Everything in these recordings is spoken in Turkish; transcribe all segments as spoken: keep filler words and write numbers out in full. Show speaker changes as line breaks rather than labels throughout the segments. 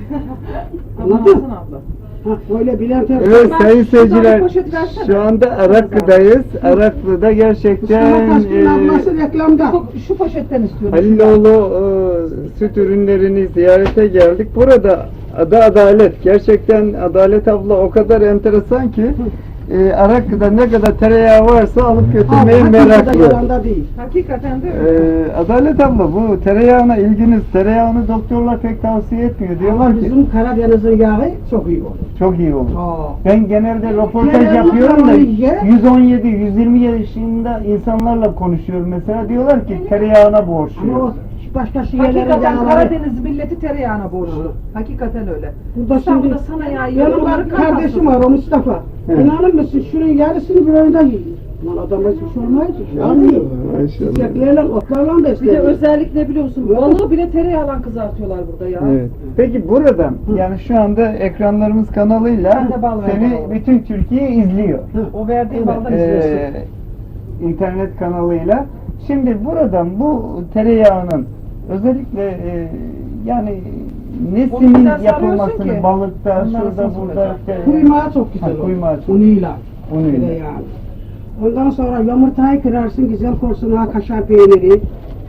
Anladın? Ha, böyle Bülent Ersoy.
Evet sayın seyirciler,
poşet versene.
şu anda Araklı'dayız. Araklı'da gerçekten
Mustafa Taşkın'ın
e,
ablası reklamda.
Şu, şu poşetten istiyorum.
Haliloğlu e, süt ürünlerini ziyarete geldik. Burada adı Adalet. Gerçekten Adalet abla o kadar enteresan ki e, Araklı'da ne kadar tereyağı varsa alıp götürmeye
Abi,
meraklı.
Yalanda değil.
Hakikaten de öyle.
E, Adalet abla bu tereyağına ilginiz, tereyağını doktorlar pek tavsiye etmiyor. Diyorlar
Ama
ki
bizim Karadeniz'in yağı çok iyi olur.
çok iyi olur.
Aa.
Ben genelde röportaj
Tereyağını
yapıyorum da
ye.
yüz on yedi yüz yirmi yaşında insanlarla konuşuyorum mesela, diyorlar ki tereyağına
Ama o
borçluyum.
başka şehirlerin
Hakikaten
yağları.
Karadeniz milleti tereyağına borçlu. Hakikaten öyle.
Burada şimdi
İstanbul'da sana yağı
benim
yiyor,
var,
onları
kardeşim var o Mustafa.
Evet.
İnanır mısın şunun yarısını bir ayda yiyor. Lan adama hiçbir şey olmaz ki. Yani
Maşallah.
çiçeklerle, otlarla
Bir de
besleniyor.
özellik ne biliyorsun? Balığı bile tereyağla kızartıyorlar burada ya.
Evet. Peki buradan yani şu anda ekranlarımız kanalıyla
Ben de bal
seni
verdim.
bütün Türkiye izliyor.
O verdiğin baldan
Ee,
izliyorsun.
internet kanalıyla. Şimdi buradan bu tereyağının özellikle e, yani
Onu
nesinin
biraz
yapılmasını
sarıyorsun ki,
balıkta,
onları
şurada
soslayacak.
burada işte,
Kuymağı çok güzel
Ha,
olur.
kuymağı çok-
Unuyla.
unuyla.
Yani. Ondan sonra yumurtayı kırarsın, güzel porsiyon kaşar peyniri.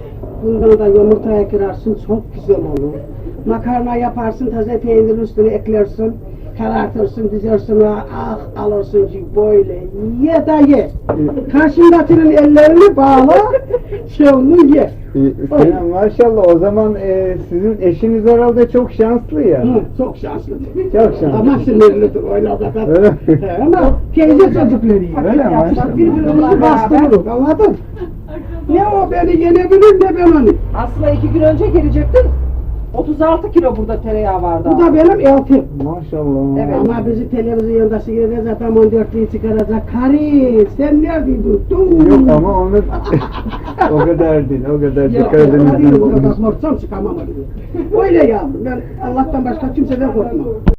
Bundan da yumurtaya kırarsın, çok güzel olur. Makarna yaparsın, taze peynirin üstüne eklersin. Karartırsın, dizersin, ah alırsın ki böyle ye da ye. Karşındakinin ellerini bağla, şey onu ye.
Ya, maşallah o zaman e, sizin eşiniz herhalde çok şanslı ya.
Hı, çok şanslı.
Çok şanslı.
Ama sinirlidir öyle o kadar.
Öyle mi?
He, ama teyze çocukları yiyor.
Öyle mi?
Yapsak birbirimizi
Maşallah.
bastırırız, anladın? Ne o beni yenebilir ne ben onu.
Aslında iki gün önce gelecektin. otuz altı kilo burada tereyağı vardı.
Bu da benim eltim.
Maşallah.
Evet.
Ama bizi televizyonda seyrede zaten on dörtlüğü çıkaracak. Karı sen neredeydin? Dur.
Yok ama onu o kadar değil, o kadar
Yok,
Karadeniz'den
o kadar
olmuş.
korksam çıkamam. Öyle yavrum, ben Allah'tan başka kimseden korkmam.